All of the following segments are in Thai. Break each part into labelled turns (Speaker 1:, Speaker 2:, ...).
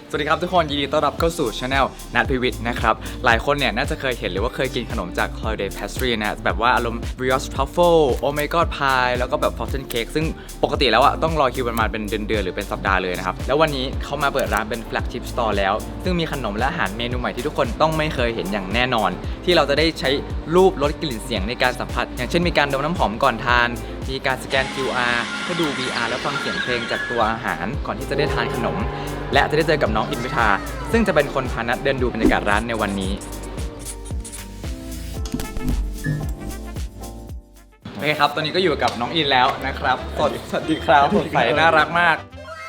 Speaker 1: สวัสดีครับทุกคนยินดีต้อนรับเข้าสู่ช anel นัทพิวิทย์นะครับหลายคนเนี่ยน่าจะเคยเห็นหรือว่าเคยกินขนมจาก Holiday Pastry นะแบบว่าอารมณ์ brioche truffle oh my god pie แล้วก็แบบ frosted cake ซึ่งปกติแล้วอะต้องรอคิวประมาณเป็นเดือนหรือเป็นสัปดาห์เลยนะครับแล้ววันนี้เขามาเปิดร้านเป็น flagship store แล้วซึ่งมีขนมและอาหารเมนูใหม่ที่ทุกคนต้องไม่เคยเห็นอย่างแน่นอนที่เราจะได้ใช้รูปลดกลิ่นเสียงในการสัมผัสอย่างเช่นมีการดมน้ำหอมก่อนทานมีการสแกน QR เพื่อดู VR แล้วฟังเสียงเพลงจากตัวอาหารก่อนที่จะได้ทานขนมและจะได้เจอกับน้องอินวิทาซึ่งจะเป็นคนพานัดเดินดูบรรยากาศร้านในวันนี้โอเคครับตอนนี้ก็อยู่กับน้องอินแล้วนะครับสวัสดีครับสดใสน่ารักมาก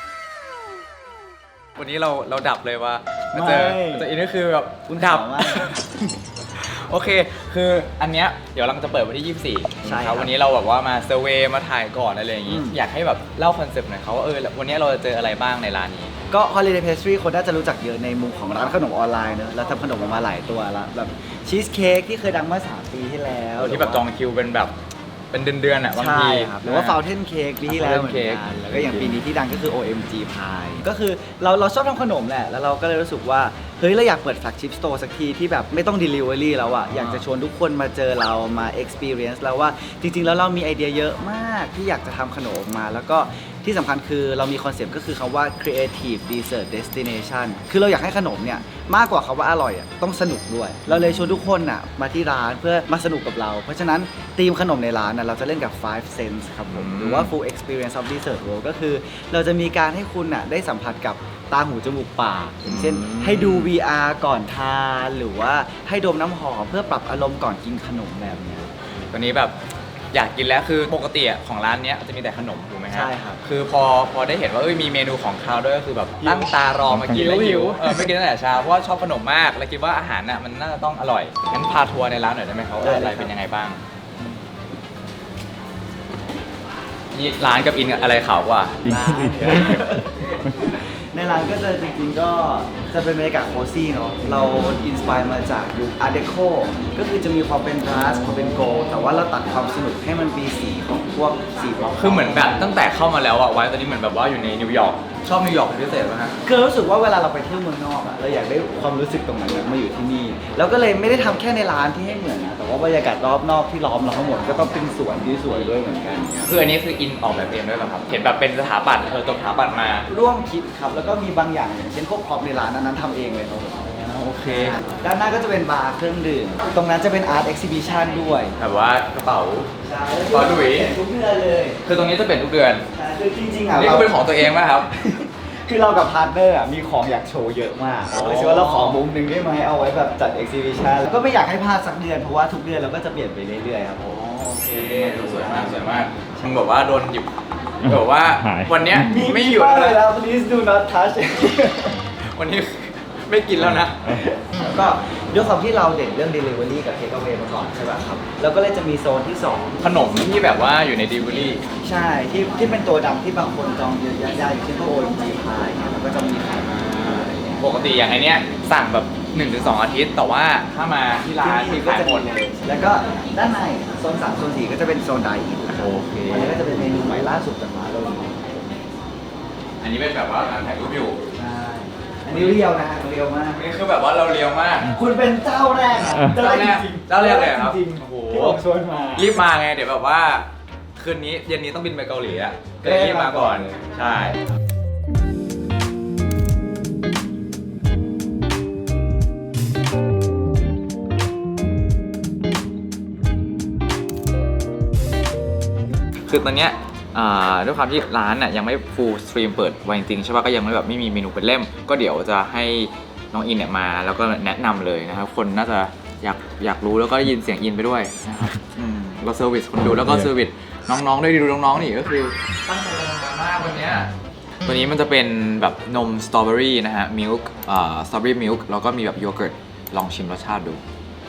Speaker 1: วันนี้เราดับเลยว่ามาเจออินก็คือแบบดับโอเคคืออันเนี้ยเดี๋ยวเราจะเปิดวันที่24ใช่ครับวันนี้เราแบบว่ามาเซอร์เวย์มาถ่ายก่อนอะไรอย่างงี้อยากให้แบบเล่าคอนเซปต์หน่อยเขาว่าวันนี้เราจะเจออะไรบ้างในร้านนี้
Speaker 2: ก็ Holiday Pastry คนน่าจะรู้จักเยอะในมุมของร้านขนมออนไลน์เนอะเราทำขนมออกมาหลายตัวแล้วแบบชีสเค้กที่เคยดังเมื่อ3 ปีที่แล้ว
Speaker 1: ที่แบบจองคิวเป็นแบบเป็นเดือนอ่ะบางที
Speaker 2: หรือว่า Fountain Cake ปีที่แล้วเหมือนกันแล้วก็อย่างปีนี้ที่ดังก็คือ OMG Pie ก็คือเราชอบทำขนมแหละแล้วเราก็เลยรู้สึกว่าเฮ้ยเราอยากเปิด flagship store สักทีที่แบบไม่ต้อง delivery แล้วอะอยากจะชวนทุกคนมาเจอเรามา experience แล้วว่าจริงๆแล้วเรามีไอเดียเยอะมากที่อยากจะทำขนมออกมาแล้วก็ที่สำคัญคือเรามีคอนเซปต์ก็คือคำว่า creative dessert destination คือเราอยากให้ขนมเนี่ยมากกว่าคำว่าอร่อยอะต้องสนุกด้วยเราเลยชวนทุกคนอะมาที่ร้านเพื่อมาสนุกกับเราเพราะฉะนั้นธีมขนมในร้านเราจะเล่นกับ five sense ครับผมหรือว่า full experience of dessert world ก็คือเราจะมีการให้คุณอะได้สัมผัสกับตาหูจมูกปากอย่างเช่นให้ดู VR ก่อนทานหรือว่าให้ดมน้ำหอมเพื่อปรับอารมณ์ก่อนกินขนมแบบนี้
Speaker 1: ตอนนี้แบบอยากกินแล้วคือปกติของร้านนี้จะมีแต่ขนมถูกไหมฮะ
Speaker 2: ใช่ครับ
Speaker 1: คือพอได้เห็นว่ามีเมนูของคาวด้วยก็คือแบบตั้งตารอมากินแล้วหิวไม่กินตั้งแต่เช้าเพราะว่าชอบขนมมากแล้วคิดว่าอาหารน่ะมันน่าจะต้องอร่อยงั้นพาทัวร์ในร้านหน่อยได้ไหมครับว่าอะไรเป็นยังไงบ้างนี่ร้านกับอินอะไรขาวกว่า
Speaker 2: ในร้านก็จะจริงๆก็จะเป็นบรรยากาศโคซี่เนาะเราอินสไปร์มาจากยุคอาร์เดโคก็คือจะมีความเป็นบราสความเป็นโกลแต่ว่าเราตัดความสนุกให้มันมีสีของพวกสีบล็อก
Speaker 1: คือเหมือนแบบตั้งแต่เข้ามาแล้วไว้ตอนนี้เหมือนแบบว่าอยู่ในนิวยอร์กชอบนิวยอร์กเป็นพิเศษไหมฮะ
Speaker 2: คือรู้สึกว่าเวลาเราไปเที่ยวเมืองนอกอะเราอยากได้ความรู้สึกตรงนั้นมาอยู่ที่นี่แล้วก็เลยไม่ได้ทำแค่ในร้านที่ให้เหมือนนะแต่ว่าบรรยากาศรอบนอกที่ล้อมเราทั้งหมดก็ต้องเป็นสวนที่สวยด้วยเหมือนกัน
Speaker 1: คืออันนี้คืออินออกแบบเองด้วยป่ะครับเห็นแบบเป็นสถาปัตย์จบสถาปัตย์มา
Speaker 2: ร่วมคิดครับแล้วก็มีบางอย่างอย่างเช่นพวกพร็อพในร้านนั้นทำเองเลยครับ
Speaker 1: โอเค
Speaker 2: ด้านหน้าก็จะเป็นบาร์เครื่องดื่มตรงนั้นจะเป็นอาร์ตเอ็กซิบิชันด้วย
Speaker 1: แบบว่ากระเป๋า
Speaker 2: ขอดุยทุกเดือนเลย
Speaker 1: คือตรงนี้จะเป็นทุกเดือน
Speaker 2: คือจริงๆ
Speaker 1: นี่ก็เป็นของตัวเองป่ะครับ
Speaker 2: คือเรากับพาร์ทเนอร์มีของอยากโชว์เยอะมากเลยคิดว่าเราขอมุมหนึ่งได้ไหมเอาไว้แบบจัดเอ็กซิบิชันแล้วก็ไม่อยากให้พลาดสักเดือนเพราะว่าทุกเดือนเราก็จะเปลี่ยนไปเรื่อยๆครับ
Speaker 1: โอเคสวยมากสวยมากช่างบอกว่าโดนหยิบบอกว่าวันนี้ไม่หยุด
Speaker 2: แล้ว please do not touch
Speaker 1: วันนี้ไม่กินแล้วนะ
Speaker 2: แล้วก็ด้วยความที่เราเด่นเรื่อง delivery กับ take away มาก่อนใช่ป่ะครับแล้วก็เลยจะมีโซนที่2
Speaker 1: ขนมที่แบบว่าอยู่ใน delivery
Speaker 2: ใช่ที่เป็นตัวดำที่บางคนจองเยอะๆอย่างเช่นพวก OMG Pie เนี่ยมันก็จะมีขาย
Speaker 1: ปกติอย่างไอเนี้ยสั่งแบบ 1-2 อาทิตย์แต่ว่าถ้ามาที่ร้านที่ขายหมด
Speaker 2: แล้วก็ด้านในโซน3โซน4ก็จะเป็นโซนไดอิน
Speaker 1: โอเค
Speaker 2: อันนี้ก็จะเป็นเมนูใหม่ล่าสุดจากร้านเรา
Speaker 1: อันนี้เป็นแบบว่าการถ่ายรูปอยู่
Speaker 2: ใช่อันนี้เรียวนะเรียวมาก
Speaker 1: นี่คือแบบว่าเราเรียวมาก
Speaker 2: คุณเป็นเจ้าแรก
Speaker 1: เจ้าแรกเลยครับ
Speaker 2: จริงโอ้โหที่ผมชวนมา
Speaker 1: รีบมาไงเดี๋ยวแบบว่าคืนนี้เย็นนี้ต้องบินไปเกาหลีอ่ะก็เลยรีบมาก่อนใช่คือตอนเนี้ยด้วยความที่ร้านน่ะยังไม่ full stream เปิดไว้จริงๆใช่ป่ะก็ยังไม่มีเมนูเป็นเล่มก็เดี๋ยวจะให้น้องอินเนี่ยมาแล้วก็แนะนำเลยนะครับคนน่าจะอยากรู้แล้วก็ได้ยินเสียงอินไปด้วยนะครับก็เซอร์วิสคนดูแล้วก็เซอร์วิสน้องๆด้วยดูน้องๆนี่ก็คือตั้งใจทำงานมากวันนี้ตัวนี้มันจะเป็นแบบนมสตรอเบอรี่นะฮะมิลค์สตรอเบอรี่มิลค์แล้วก็มีแบบโยเกิร์ตลองชิมรสชาติดู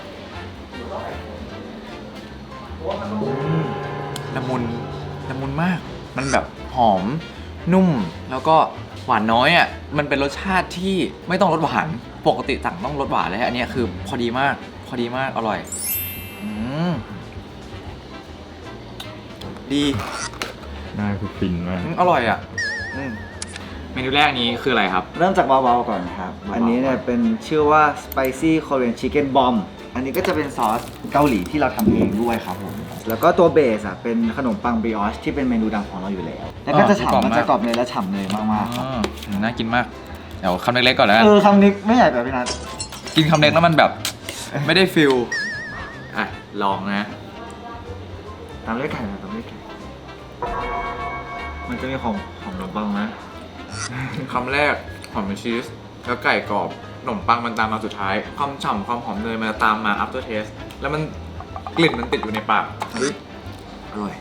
Speaker 1: ละมุนมากมันแบบหอมนุ่มแล้วก็หวานน้อยอ่ะมันเป็นรสชาติที่ไม่ต้องรสหวานปกติสั่งต้องรสหวานเลยอันนี้คือพอดีมากอร่อยดี
Speaker 3: น่าคือฟินมาก
Speaker 1: อร่อยอ่ะเมนูแรกนี้คืออะไรครับ
Speaker 2: เริ่มจากเบาๆก่อนครับ
Speaker 1: เบาๆ
Speaker 2: อันนี้เนี่ยเป็นชื่อว่า spicy Korean chicken bomb อันนี้ก็จะเป็นซอสเกาหลีที่เราทำเองด้วยครับผม แล้วก็ตัวเบสอ่ะเป็นขนมปังบริออชที่เป็นเมนูดังของเราอยู่แล้ว แล้วก็จะฉ่ำมันจะกรอบเนยและฉ่ำเนยมากๆครับ
Speaker 1: น่ากินมาก เดี๋ยวคำเล็กๆก่อนแล้วกัน
Speaker 2: คำนี้ไม่ใหญ่แบบพี่นัท
Speaker 1: กินคำเล็กแล้วมันแบบ ไม่ได้ฟิลอ่ะ ลองนะ
Speaker 2: ตามด้วยไก่นะตามด้วยไก่มันจะมีของขนมปังนะ
Speaker 1: คำแรกหอมชีสแล้วไก่กรอบขนมปังมันตามมาสุดท้าย ความฉ่ำความหอมเนยมันจะตามมา after taste แล้วมันกลิ่นมันติดอยู่ในปากเฮ้ยอร่อย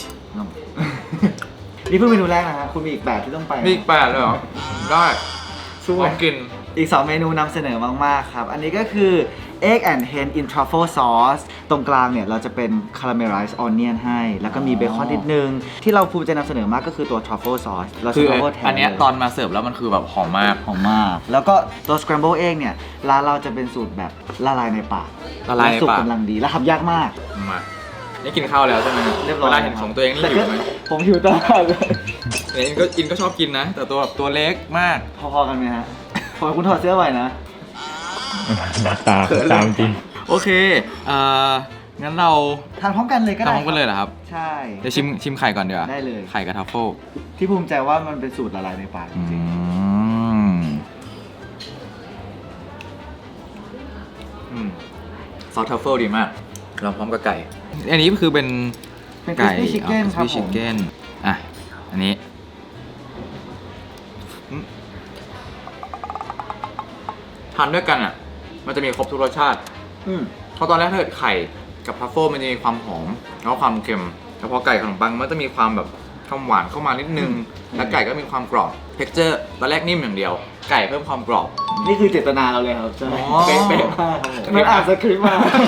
Speaker 2: นี่เพิ่งเมนูแรกนะฮะคุณมีอีก8ที่ต้องไป
Speaker 1: มีอีก8เลยเหรอ ได้สู้ลองกิน
Speaker 2: อีก 2 เมนูนำเสนอมาก ๆ ครับ อันนี้ก็คือ egg and hen in truffle sauce ตรงกลางเนี่ย เราจะเป็น caramelized onion ให้ แล้วก็มีเบคอนนิดนึง ที่เราภูมิใจนำเสนอมากก็คือตัว truffle sauce เรา
Speaker 1: คื
Speaker 2: ใช้
Speaker 1: อ
Speaker 2: truffle แทน
Speaker 1: อันเนี้ย
Speaker 2: เลย
Speaker 1: ตอนมาเสิร์ฟแล้วมันคือแบบหอมมาก
Speaker 2: หอมมาก แล้วก็ตัว scramble egg เนี่ย ร้านเราจะเป็นสูตรแบบละลายในปาก
Speaker 1: ละลายใน
Speaker 2: สุก
Speaker 1: ปาก
Speaker 2: กำลังดี และทำยากมาก
Speaker 1: มานี่กินข้าวแล้วใช่ไหม
Speaker 2: เรียบร้อย
Speaker 1: เวลาเห็นของตัวเองนี่หิวไหม
Speaker 2: ผมหิวตลอดเลย
Speaker 1: เนี่ยอินก็ชอบกินนะ แต่ตัวแบบตัวเล็กมาก
Speaker 2: พอๆกันไหมฮะพอคุณถอดเสื้อไหวนะ
Speaker 3: หน้าตาตามจริง
Speaker 1: โอเคงั้นเรา
Speaker 2: ทานพร้อมกันเลยก็ได้
Speaker 1: ทำพร้อมกันเลยเหรอครับ
Speaker 2: ใช่
Speaker 1: เดี๋ยวชิมไข่ก่อนดีกว่า
Speaker 2: ได้เลย
Speaker 1: ไข่กับทัฟเฟิล
Speaker 2: ที่ภูมิใจว่ามันเป็นสูตรละลายในปากจริง
Speaker 1: ซอสทัฟเฟิลดีมาก เราพร้อมกับไก่ อันนี้คือเป็น
Speaker 2: ๆเป็น
Speaker 1: ไก่
Speaker 2: crispy chicken ครับ
Speaker 1: crispy
Speaker 2: ผม
Speaker 1: chicken อ่ะ อันนี้ทานด้วยกันอ่ะ มันจะมีครบทุกรสชาติ
Speaker 2: อืม
Speaker 1: เพราะตอนแรกถ้าเกิดไข่กับทัฟเฟิลมันจะมีความหอมแล้วก็ความเค็มแต่พอไก่ขนมปังมันจะมีความแบบความหวานเข้ามานิดนึง แล้วไก่ก็มีความกรอบ เท็กเจอร์ตอนแรกนิ่มอย่างเดียว ไก่เพิ่มความกรอบ
Speaker 2: นี่คือเจตนาเราเลยครับใช่ไหม
Speaker 1: อ๋อ
Speaker 2: เป๊ะๆมากครับผมมันอ่านสคริปต์มา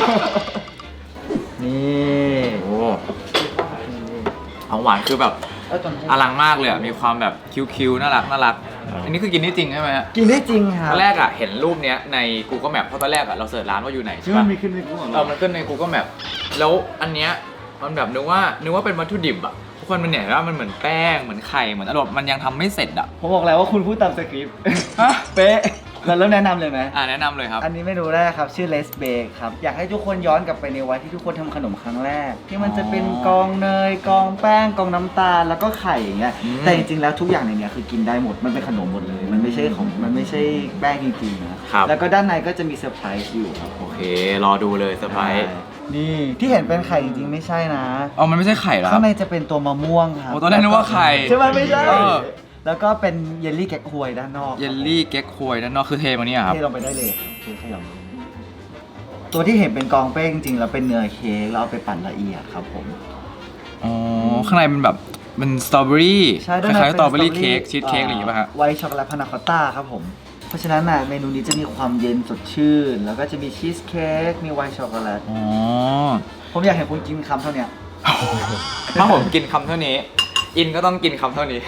Speaker 2: นี่
Speaker 1: โอ้ของหวานคือแบบอลังมากเลยอ่ะ มีความแบบคิ้วๆน่ารักน่ารัก อันนี้คือกินได้จริงใช่ไหมฮะ
Speaker 2: กินได้จริงครั
Speaker 1: ต
Speaker 2: บ
Speaker 1: อนแรกอ่ะเห็นรูปเนี้ยใน Google Map เพราะตอนแรกอ่ะเราเสิร์ชร้านว่าอยู่ไหน
Speaker 2: ที่
Speaker 1: ใช่
Speaker 2: มั
Speaker 1: ปะ
Speaker 2: นมีขึ้นในกูของ
Speaker 1: เอ
Speaker 2: เรา
Speaker 1: อมันขึ้นใน Google Map แล้วอันเนี้ยมันแบบนึกว่าเป็นวัตถุดิบอ่ะทุกคนมันเนี่ยว่ามันเหมือนแป้งเหมือนไข่เหมือนอารมณ์มันยังทำไม่เสร็จอ่ะ
Speaker 2: ผมบอกแล้วว่าคุณพูดตามสคริปต์
Speaker 1: ฮะ
Speaker 2: เป๊ะเราเริ่มแนะนำเลยไหม
Speaker 1: แนะนำเลยครับ
Speaker 2: อันนี้เมนูแรกครับ ชื่อเลสเบกครับ อยากให้ทุกคนย้อนกลับไปในวันที่ทุกคนทำขนมครั้งแรก ที่มันจะเป็นกองเนยกองแป้งกองน้ำตาลแล้วก็ไข่อย่างเงี้ย
Speaker 1: อืม
Speaker 2: แต่จริงๆแล้วทุกอย่างในเนี้ยคือกินได้หมดมันเป็นขนมหมดเลย มันไม่ใช่แป้งจริงๆนะครับ แล้วก็ด้านในก็จะมีเซอร์ไพรส์อยู่ครับ
Speaker 1: โอเค รอดูเลยเซอร์ไพรส์
Speaker 2: นี่ที่เห็นเป็นไข่จริงๆไม่ใช่นะ
Speaker 1: อ๋อมันไม่ใช่ไข่เหรอค
Speaker 2: ข้า
Speaker 1: รับ
Speaker 2: งในจะเป็นตัวมะม่วงครับ
Speaker 1: โอ้ตอนแรกนึกว่าไข่
Speaker 2: ใช่ไหมไม่ใช่
Speaker 1: เออ
Speaker 2: แล้วก็เป็นเยลลี่แก๊กฮวยด้านนอก
Speaker 1: เยลลี่เก๊กควยด้านนอกคือเทมาเนี่ยครับ
Speaker 2: เทลงไปได้เลยครับเทขยำตัวที่เห็นเป็นกองเป้งจริงๆแล้วเป็นเนื้อเค้กแล้วเอาไปปั่นละเอียดครับผม
Speaker 1: อ๋อ ข้างในเป็นแบบเป็นสตรอเบอรี่
Speaker 2: ใช่
Speaker 1: ค
Speaker 2: ด้านใน
Speaker 1: ล้ายๆ
Speaker 2: ป็
Speaker 1: สตรอเบอรี่เค้กชีสเค้กอะไรอย่างเงี้ยป่ะฮะ
Speaker 2: ไวท์ช็อกโกแลตพานาคอตต้าครับผม เพราะฉะนั้นน่ะเมนูนี้จะมีความเย็นสดชื่น แล้วก็จะมีชีสเค้กมีไวท์ช็อกโกแลต
Speaker 1: อ๋อ
Speaker 2: ผมอยากเห็นคุณกินคำเท่าเนี้ย
Speaker 1: ถ้าผมกินคำเท่านี้ อินก็ต้องกินคำเท่านี้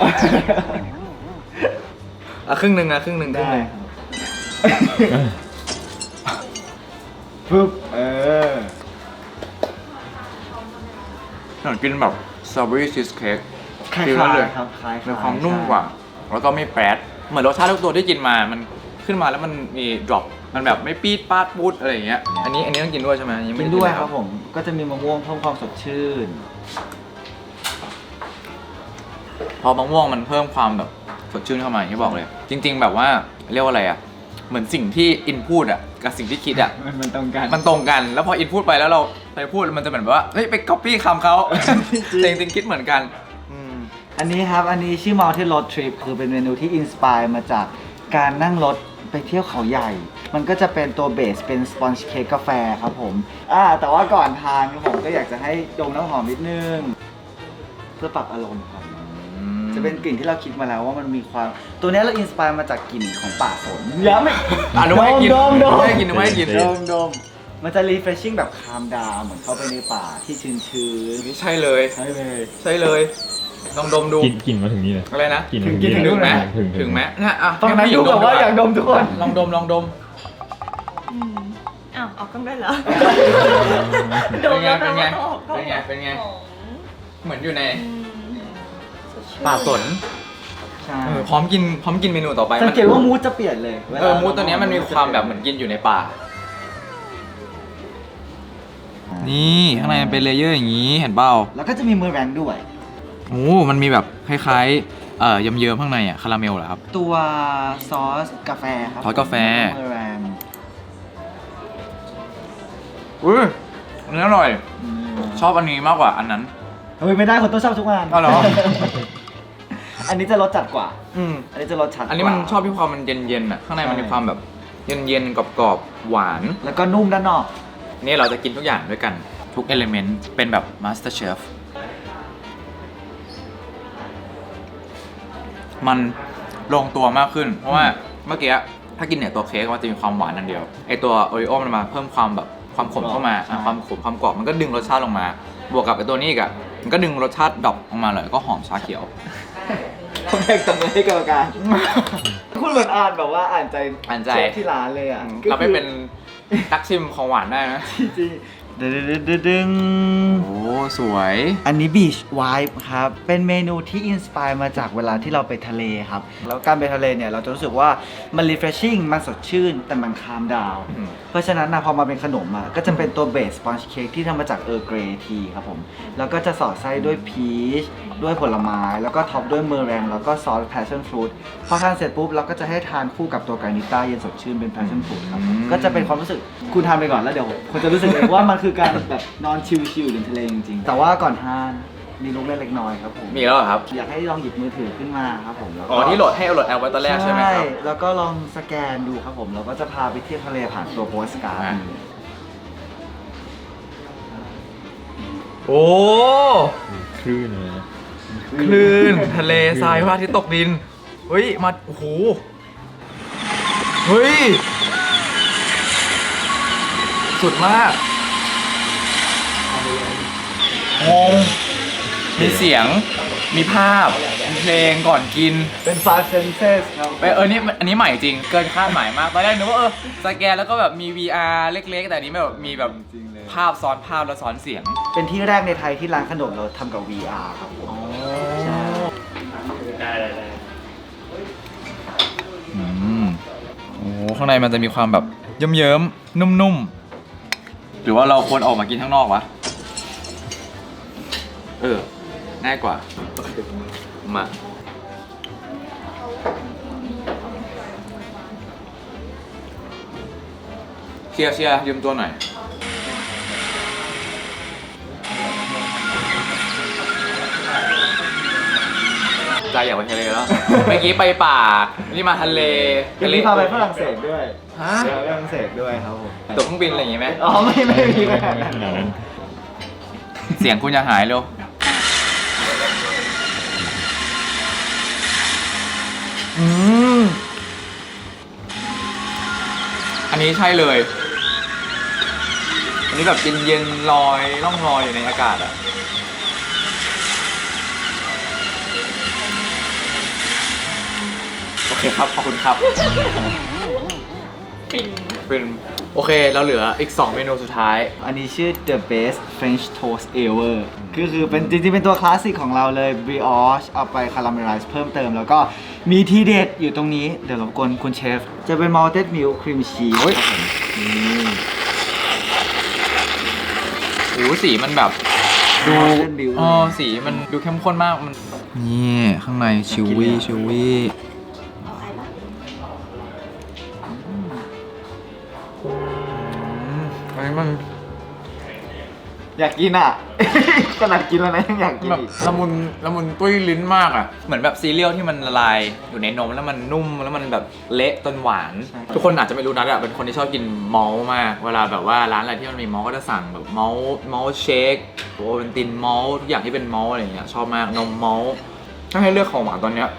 Speaker 1: ครึ่งหนึ่งครึ่งหนึ่ง
Speaker 2: ได้ครับปึ๊บ
Speaker 1: เหมือนกินแบบสตรอเบอรี่ชีสเค้ก
Speaker 2: คล้าย
Speaker 1: ฟีลนั้นเลย
Speaker 2: ๆครับคล้ายๆ
Speaker 1: มีความนุ่มกว่า แล้วก็ไม่แปรดเหมือนรสชาติทุกตัวที่กินมา มันขึ้นมาแล้วมันมีดรอป มันแบบไม่ปี๊ดปาดปูดอะไรอย่างเงี้ย อันนี้ต้องกินด้วยใช่ไหมยังไม่
Speaker 2: กิน
Speaker 1: ไ
Speaker 2: ด้วยครับผม ก็จะมีมะม่วงเพิ่มความสดชื่น
Speaker 1: พอมะม่วงมันเพิ่มความแบบสดชื่นเข้ามาอย่างที่บอกเลย จริง ๆ แบบว่าเรียกว่าอะไรอ่ะ เหมือนสิ่งที่อินพูดอ่ะกับสิ่งที่คิดอ่ะ
Speaker 2: มันตรงกัน
Speaker 1: มันตรงกัน แล้วพออินพูดไปแล้วเราไปพูดมันจะเหมือนแบบว่า เฮ้ยไปก๊อปปี้คำเขา แต่จริงๆคิดเหมือนกัน
Speaker 2: อันนี้ครับ อันนี้ชื่อ Mountain Road Trip คือเป็นเมนูที่อินสปายมาจากการนั่งรถไปเที่ยวเขาใหญ่ มันก็จะเป็นตัวเบสเป็นสปอนจ์เค้กกาแฟครับผม แต่ว่าก่อนทานครับผมก็อยากจะให้ดมน้ำหอมนิดนึง เพื่อปรับอารมณ์ครับ จะเป็นกลิ่นที่เราคิดมาแล้วว่ามันมีความ ตัวนี้เราอินสปายมาจากกลิ่นของป่าสนอย่าไม่
Speaker 1: นึกว่าให้กิน
Speaker 2: ดม
Speaker 1: นึกว่าให้กินนึกว่าให้กิน
Speaker 2: ดมมันจะ refreshing แบบคามดาวเหมือนเข้าไปในป่าที่ชื้น
Speaker 1: นี่ใช่เลย
Speaker 2: ๆใช่เลย
Speaker 1: ใช่เลย ลองดมดู
Speaker 3: กินมาถึงนี่เลย
Speaker 1: อะไรนะ
Speaker 3: กินมาถึง
Speaker 2: กิน
Speaker 3: นี่
Speaker 2: ถึ
Speaker 3: เลย
Speaker 1: ถึงไหม
Speaker 3: ถึง
Speaker 1: ถึงไหมเนี่ยอ่ะ
Speaker 2: ตอนนั้นดูแบบว่าอยากดมทุกคน
Speaker 1: ลองดมลองดม
Speaker 4: อืมอ้าวออกกล้องได้เหรอ
Speaker 1: เป็นไง เป็นไง
Speaker 4: โดนแล้ว
Speaker 1: เป็นไง เป็นไง
Speaker 4: หอม
Speaker 1: เหมือนอยู่ใน
Speaker 4: อืมสดชื่น
Speaker 1: ป่าสน
Speaker 2: ใช่
Speaker 1: พร้อมกินเมนูต่อไป
Speaker 2: สังเกตว่ามูดจะเปลี่ยนเลย
Speaker 1: มูดตัวเนี้ยมันมีความแบบเหมือนกินอยู่ในป่า นี่ข้างในมันเป็นเลเยอร์อย่างนี้เห็นเปล่า
Speaker 2: แล้วก็จะมีเมอร์แรงด้วย
Speaker 1: โอ้มันมีแบบคล้ายๆเยิ้มๆข้างในคาราเมลเหรอครับ
Speaker 2: ตัวซอสกาแฟครับ
Speaker 1: ซอสกาแฟ
Speaker 2: เมอร์แรง
Speaker 1: อุ้ยอันนี้อร่อย ชอบอันนี้มากกว่าอันนั้น
Speaker 2: เฮ้ยไม่ได้คนต้องชอบทุกงาน
Speaker 1: อ๋อเหรอ
Speaker 2: อันนี้จะรสจัดกว่า
Speaker 1: อืม
Speaker 2: อันนี้จะรสชัดกว่า
Speaker 1: อันนี้มันชอบที่ความมันเย็นๆข้างในมันมีความแบบเย็นๆกรอบๆหวาน
Speaker 2: แล้วก็นุ่มด้านนอก
Speaker 1: นี่เราจะกินทุกอย่างด้วยกันทุกเอลิเมนต์เป็นแบบ Master Chef มันลงตัวมากขึ้น เพราะว่าเมื่อกี้ถ้ากินเนี่ยตัวเค้กมันจะมีความหวานอันเดียวไอตัวโอริโอมันมาเพิ่มความแบบความขมเข้ามาความขมความกรอบมันก็ดึงรสชาติลงมา บวกกับไอตัวนี้อีกอะมันก็ดึงรสชาติดรอปออกมาเลยก็หอมชาเขียว
Speaker 2: ผมแบ่งตบมือให้กรรมการ คุณเหมือนอ่านแบบว่าอ่านใจ
Speaker 1: อ่านใจ
Speaker 2: เชฟที่ร้านเลยอ่ะ
Speaker 1: เราไปเป็นตักชิมของหวานได้นะ
Speaker 2: จริงๆดึง
Speaker 1: โอ้สวย
Speaker 2: อันนี้ Beach Vibe ครับ เป็นเมนูที่อินสปายมาจากเวลาที่เราไปทะเลครับ แล้วการไปทะเลเนี่ย เราจะรู้สึกว่ามัน refreshing มันสดชื่น แต่มัน calm down
Speaker 1: อืม
Speaker 2: เพราะฉะนั้นนะพอมาเป็นขนมอ่ะก็จะเป็นตัวเบสสปอนจ์เค้กที่ทำมาจากเออร์เกรย์ทีครับผม แล้วก็จะสอดไส้ด้วยพีชด้วยผลไม้ แล้วก็ท็อปด้วยเมอร์แรงแล้วก็ซอส passion fruit พอทานเสร็จปุ๊บเราก็จะให้ทานคู่กับตัวกานิต้าเย็นสดชื่นเป็น passion fruit ครับ ก็จะเป็นความรู้สึกคุณทานไปก่อนแล้วเดี๋ยวคุณจะรู้สึกเองว่ามันคือการแบบนอนชิลๆอยู่ในทะเลจริงๆ แต่ว่าก่อนทานมีลูกเล่นเล็กน้อยครับผม
Speaker 1: มีแล้วเหรอครับ
Speaker 2: อยากให้ลองหยิบมือถือขึ้นมาครับผมแล้วก็
Speaker 1: อ๋อที่โหลดให้เอาโหลดแอปไว้ตอนแรกใช่ไหมครับ
Speaker 2: แล้วก็ลองสแกนดูครับผมแล้วก็จะพาไปเที่ยวทะเลผ่านตัวโปสการ์ด
Speaker 1: อ่ะ โอ้
Speaker 3: คลื่นเลยนะ
Speaker 1: คลื่นทะเลทรายพระอาทิตย์ตกดิน เฮ้ย มา โอ้โห เฮ้ย สุดมากงงมีเสียง มีภาพ มีเพลงก่อนกิน
Speaker 2: เป็น five senses ครับ
Speaker 1: นี่อันนี้ใหม่จริง เกินคาดหมายมาก ตอนแรกนึกว่าสแกนแล้วก็แบบมี VR เล็กๆ แต่อันนี้แบบมีแบบภาพซ้อนภาพแล้วซ้อนเสียง
Speaker 2: เป็นที่แรกในไทยที่ร้านขนมเราทำกับ VR ครับผมใช่
Speaker 1: โอ้ข้างในมันจะมีความแบบเยิ้มๆ นุ่มๆ หรือว่าเราควรออกมากินข้างนอกวะ ง่ายกว่า มา เชียร์ยืมตัวหน่อย ใจอยากไปทะเลแล้ว เมื่อกี้ไปป่า นี่มาทะเล
Speaker 2: วันนี้พาไปฝรั่งเศสด้วย
Speaker 1: ฮะ
Speaker 2: ไปฝรั่งเศสด้วยครับผม
Speaker 1: ตั๋วเครื่องบินอะไรอย่างงี้ไหม
Speaker 2: อ๋อไม่มีขนาดนั้น
Speaker 3: ขนาดนั้น
Speaker 1: เสียงคุณจะหายเร็ว อันนี้ใช่เลย อันนี้แบบเย็นๆลอยล่องลอยอยู่ในอากาศอะโอเคครับ ขอบคุณครับ เป็นโอเค เราเหลืออีก 2 เมนูสุดท้าย
Speaker 2: อันนี้ชื่อ The Best French Toast Ever คือเป็นจริงๆเป็นตัวคลาสสิกของเราเลย brioche เอาไปคาราเมลไลซ์เพิ่มเติม แล้วก็มีทีเด็ดอยู่ตรงนี้ เดี๋ยวรบกวนคุณเชฟ จะเป็น malted milk cream cheese
Speaker 1: โอ้ย
Speaker 2: ครับผมนี่
Speaker 1: โอ้สีมันแบบดู
Speaker 2: malted milk
Speaker 1: สีมันดูเข้มข้นมากมันนี่ข้างในชิววี่อันนี้มัน
Speaker 2: อยากกินอ่ะ ขนาดกินแล้วนะยังอยากกิน
Speaker 1: แบบ
Speaker 2: อีก
Speaker 1: ละมุนตุ้ยลิ้นมากอ่ะ เหมือนแบบซีเรียลที่มันละลายอยู่ในนมแล้วมันนุ่มแล้วมันแบบเละจนหวาน ทุกคนอาจจะไม่รู้นะเป็นคนที่ชอบกินมอลต์มาก เวลาแบบว่าร้านอะไรที่มันมีมอลต์ก็จะสั่งแบบมอลต์เชคโอเวนตินมอลต์ทุกอย่างที่เป็นมอลต์อะไรอย่างเงี้ยชอบมากนมมอลต์ถ้าให้เลือกของหวานตอนเนี้ย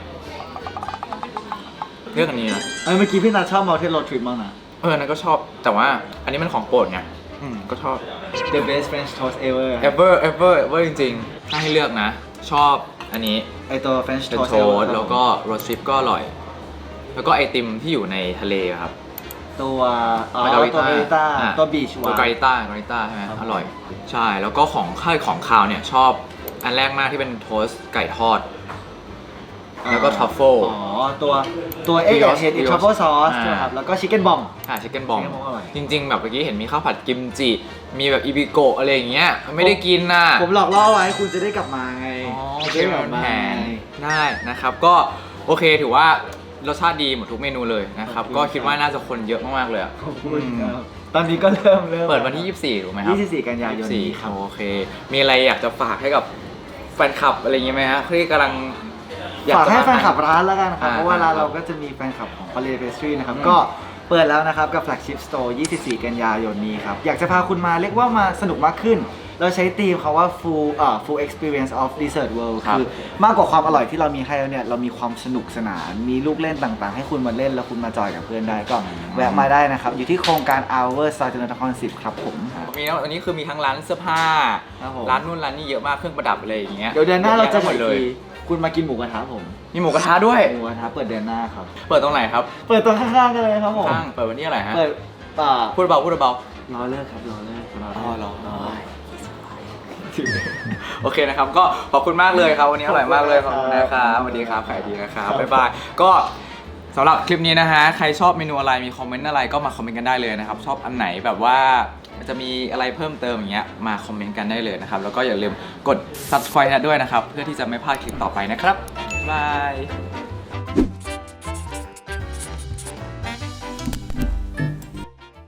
Speaker 1: เลือกอันนี้นะ
Speaker 2: เมื่อกี้พี่นาชอบ malted road trip มากนะ
Speaker 1: นั่นก็ชอบแต่ว่าอันนี้มันของโปรดไงก็ชอบ
Speaker 2: The Best French Toast Ever
Speaker 1: ever จริงๆ ถ้าให้เลือกนะ ชอบอันนี้
Speaker 2: ไอตัว French
Speaker 1: เป็น
Speaker 2: Toast
Speaker 1: โท
Speaker 2: Ever
Speaker 1: สแล้วก็โรสทริปก็อร่อย แล้วก็ไอติมที่อยู่ในทะเลครับ
Speaker 2: ตัวตัว
Speaker 1: มา
Speaker 2: เบ
Speaker 1: การิ
Speaker 2: ต้า
Speaker 1: อ่ะ
Speaker 2: ตัว beach
Speaker 1: ตัวการิต้าใช่ไหมอร่อย ใช่ แล้วก็ของข้าวเนี่ยชอบอันแรกมากที่เป็นโทสต์ไก่ทอดแล้วก็ทรัฟเฟิล
Speaker 2: อ๋อตัวเอ็กซ์เห็ดทรัฟเฟิลซอส
Speaker 1: อ่า
Speaker 2: ใช่ไหมครับแล้วก็ชิคเก้นบอม
Speaker 1: ชิคเก้นบอม
Speaker 2: chicken bomb อร่อย
Speaker 1: จริง ๆ แบบเมื่อกี้เห็นมีข้าวผัดกิมจิ มีแบบอิบิโกะอะไรอย่างเงี้ยไม่ได้กินน่ะ
Speaker 2: ผมหลอกล่อไว้คุณจะได้กลับมาไง
Speaker 1: อ๋อโอ
Speaker 2: จะ
Speaker 1: เค
Speaker 2: ได้ก
Speaker 1: มั
Speaker 2: ลับ
Speaker 1: น
Speaker 2: มา
Speaker 1: แผนได้นะครับก็โอเคถือว่ารสชาติดีหมดทุกเมนูเลยนะครับ
Speaker 2: ขอบคุณ
Speaker 1: ก็คิดว่าน่าจะคนเยอะมากๆเลยอะ
Speaker 2: ขอบคุณครับตอนนี้ก็เริ่ม
Speaker 1: เปิดวันที่ 24ถูกไหมครับ
Speaker 2: 24 กันยายนนี้ครับ
Speaker 1: โอเค มีอะไรอยากจะฝากให้กับแฟนคลับอะไรอย่างเงี้ยไหมฮะที่กำลังอยาก
Speaker 2: ฝาก
Speaker 1: จะ
Speaker 2: ให้
Speaker 1: มา
Speaker 2: แฟนคลับร้านแล้วกันครับ
Speaker 1: อ่า
Speaker 2: เพราะว่าร้าน
Speaker 1: ครับ
Speaker 2: เราก็จะมีแฟนคลับของ Holiday Pastry นะครับ
Speaker 1: อืม
Speaker 2: ก็เปิดแล้วนะครับกับ Flagship Store 24 กันยายนนี้ครับ อยากจะพาคุณมาเรียกว่ามาสนุกมากขึ้น เราใช้ธีมเขาว่า full experience of dessert world
Speaker 1: ครับ
Speaker 2: คือมากกว่าความอร่อยที่เรามีให้แล้วเนี่ย เรามีความสนุกสนาน มีลูกเล่นต่างๆ ให้คุณมาเล่นแล้วคุณมาจอยกับเพื่อนได้ก็แวะมาได้นะครับ อยู่ที่โครงการ Hour ซอยจุฬาลงกรณ์10 ครับผม
Speaker 1: มีนะอันนี้คือมีทั้งร้านเสื้อผ้า
Speaker 2: ครับผม
Speaker 1: ร้านนู่นร้านนี่เยอะมากเครื่องประดับอะไรอย่างเงี้ย
Speaker 2: เดี๋ยวเดือนหน้าเราจะ
Speaker 1: หมดเลย
Speaker 2: คุณมากินหมูกระทะผม
Speaker 1: มีหมูกระทะด้วย
Speaker 2: หมูกระทะเปิดเดือนหน้าครับ
Speaker 1: เปิดตรงไหนครับ
Speaker 2: เปิดตัวข้างๆกันเลยครับผม
Speaker 1: ข้างเปิดวันที่อะไรฮะ
Speaker 2: เปิดป่า
Speaker 1: พูดเบาพูดเบาร
Speaker 2: อเลิกครับรอเลิก
Speaker 1: อ๋อรอโอเคนะครับก็ขอบคุณมากเลยครับวันนี้อร่อยมากเลยขอบคุณนะครับสวัสดีครับขายดีนะครับบ๊ายบายก็สำหรับคลิปนี้นะฮะใครชอบเมนูอะไรมีคอมเมนต์อะไรก็มาคอมเมนต์กันได้เลยนะครับชอบอันไหนแบบว่าจะมีอะไรเพิ่มเติมอย่างเงี้ยมาคอมเมนต์กันได้เลยนะครับแล้วก็อย่าลืมกด subscribe ด้วยนะครับเพื่อที่จะไม่พลาดคลิปต่อไปนะครับบ๊ายบาย